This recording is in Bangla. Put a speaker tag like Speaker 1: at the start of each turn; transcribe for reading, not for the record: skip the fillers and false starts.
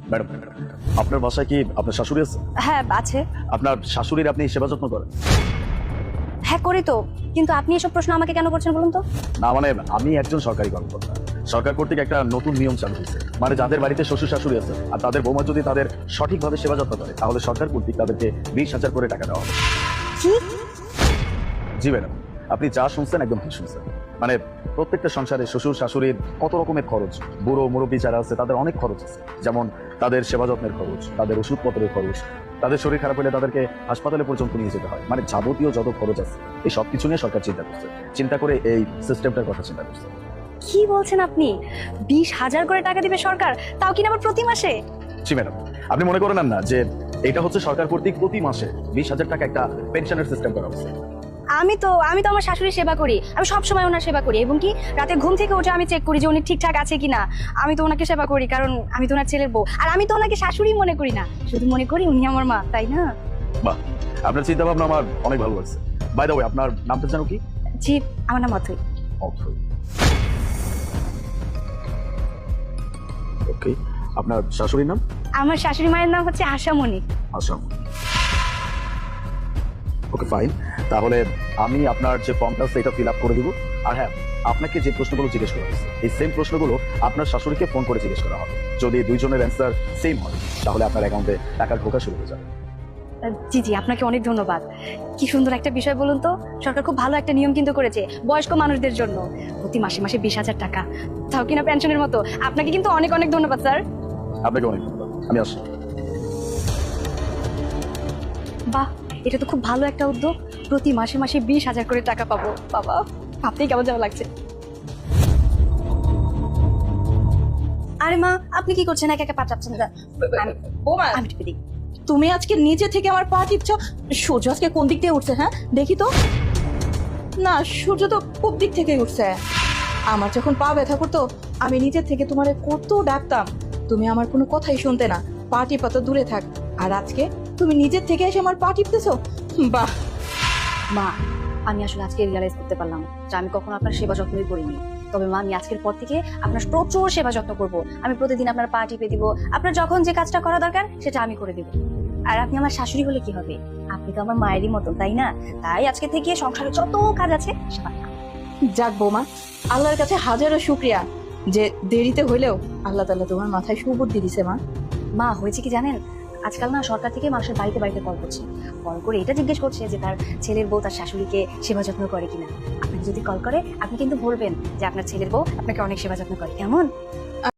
Speaker 1: ম্যাডাম, আপনার বাসায় কি আপনার শাশুড়ি আছে?
Speaker 2: হ্যাঁ আছে।
Speaker 1: আপনার শাশুড়ির আপনি সেবা যত্ন করেন?
Speaker 2: হ্যাঁ করি তো, কিন্তু আপনি এসব প্রশ্ন আমাকে কেন করছেন বলুন তো?
Speaker 1: না মানে আমি একজন সরকারি কর্মকর্তা। সরকার কর্তৃক একটা নতুন নিয়ম চালু হয়েছে, মানে যাদের বাড়িতে শ্বশুর শাশুড়ি আছে আর তাদের বৌমা যদি তাদের সঠিকভাবে সেবা যত্ন করে তাহলে সরকার কর্তৃক তাদেরকে 20,000 করে টাকা দেওয়া হবে।
Speaker 2: কি?
Speaker 1: জি ম্যাডাম, আপনি যা শুনছেন একদম ঠিক শুনছেন। মানে প্রত্যেকটা সংসারে শ্বশুর শাশুড়ির কত রকমের খরচ, বুড়ো মুরব্বী যারা আছে তাদের অনেক খরচ আছে, যেমন তাদের সেবা যত্নের খরচ, তাদের ওষুধপত্রের খরচ, তাদের শরীর খারাপ হলে তাদেরকে হাসপাতালে পর্যন্ত নিয়ে যেতে হয়, মানে যাবতীয় যত খরচ আছে এই সব কিছু নিয়ে সরকার চিন্তা করছে, চিন্তা করে এই সিস্টেমটার কথা চিন্তা করছে।
Speaker 2: কি বলছেন আপনি? 20,000 করে টাকা দিবে সরকার, তাও কিনা আবার প্রতি মাসে?
Speaker 1: জি ম্যাডাম, আপনি মনে করেন না যে এটা হচ্ছে সরকার কর্তৃক প্রতি মাসে 20,000 টাকা একটা পেনশনের সিস্টেম করা হচ্ছে।
Speaker 2: আমি তো আমার শাশুড়ির সেবা করি, আমি সব সময় ওনার সেবা করি, এবং কি রাতে ঘুম থেকে উঠে আমি চেক করি যে উনি ঠিকঠাক আছে কিনা। আমি তো ওনাকে সেবা করি কারণ আমি তো ওনার ছেলের বউ, আর আমি তো ওনাকে শাশুড়ি মনে করি না, শুধু মনে করি উনি আমার মা, তাই না?
Speaker 1: বাহ, আপনার চিন্তা ভাবনা আমার অনেক ভালো লাগছে। বাই দ্য ওয়ে, আপনার নামটা জানো কি?
Speaker 2: জি, আমার নাম অথই।
Speaker 1: অথৈ। ওকে, আপনার শাশুড়ির নাম?
Speaker 2: আমার শাশুড়ি মায়ের নাম হচ্ছে আশামণি।
Speaker 1: আসাম। ওকে ফাইন, তাহলে আমি আপনার যে ফর্মটা আছে এটা ফিল আপ করে দিব। আর হ্যাঁ, আপনাকে যে প্রশ্নগুলো জিজ্ঞেস করা হয়েছে এই সেম প্রশ্নগুলো আপনার শাশুড়িকে ফোন করে জিজ্ঞেস করা হবে। যদি দুইজনের অ্যান্সার সেম হয় তাহলে আপনার অ্যাকাউন্টে টাকা ঢোকা শুরু হয়ে যাবে।
Speaker 2: জি জি, আপনাকে অনেক ধন্যবাদ। কি সুন্দর একটা বিষয় বলুন তো, সরকার খুব ভালো একটা নিয়ম কিন্তু করেছে বয়স্ক মানুষদের জন্য, প্রতি মাসে মাসে 20,000 টাকা, তাও কিনা পেনশনের মতো। আপনাকে কিন্তু অনেক অনেক ধন্যবাদ স্যার।
Speaker 1: আপনাকে অনেক ধন্যবাদ, আমি আসছি।
Speaker 2: বাহ, এটা তো খুব ভালো একটা উদ্যোগ, প্রতি মাসে মাসে 20,000 করে টাকা পাবো। বাবা, ভাবতেই কেমন যেন লাগছে। আরে মা, আপনি কি করছেন? একা একা পা চাপছেন?
Speaker 3: বৌমা,
Speaker 2: আমি টিপে দিই।
Speaker 3: তুমি আজকে নিচে থেকে আমার পা টিপছ। সূর্য আজকে কোন দিক থেকে উঠছে? হ্যাঁ দেখি তো। না, সূর্য তো পূব দিক থেকে উঠছে। আমার যখন পা ব্যথা করতো আমি নিচের থেকে তোমারে কত ডাকতাম, তুমি আমার কোনো কথাই শুনতে না, পা টিপা তো দূরে থাক। আর আজকে তুমি নিজের থেকে এসে আমার পা টিপতেছো। বাহ।
Speaker 2: মা, আমি আসলে আজকে রিয়ালাইজ করতে পারলাম যে আমি কখনো আপনার সেবা যত্নই করিনি। তবে মা, আমি আজকের পর থেকে আপনার প্রচুর সেবা যত্ন করব। আমি প্রতিদিন আপনার পা টিপে দিব, আপনার যখন যে কাজটা করা দরকার সেটা আমি করে দিব। আর আপনি আমার শাশুড়ি হলে কি হবে? আপনি তো আমার মায়েরই মতো, তাই না? তাই আজকে থেকে সংসারে যত কাজ আছে সেবা।
Speaker 3: যাক বৌমা, আল্লাহর কাছে হাজারো শুক্রিয়া যে দেরিতে হইলেও আল্লাহ তাআলা তোমার মাথায় সুবুদ্ধি দিছে। মা,
Speaker 2: মা, হয়েছে কি জানেন, আজকাল না সরকার থেকে মানুষের বাড়িতে বাড়িতে কল করছে, কল করে এটা জিজ্ঞেস করছে যে তার ছেলের বউ তার শাশুড়িকে সেবা যত্ন করে কিনা। আপনি যদি কল করে আপনি কিন্তু বলবেন যে আপনার ছেলের বউ আপনাকে অনেক সেবা যত্ন করে, কেমন?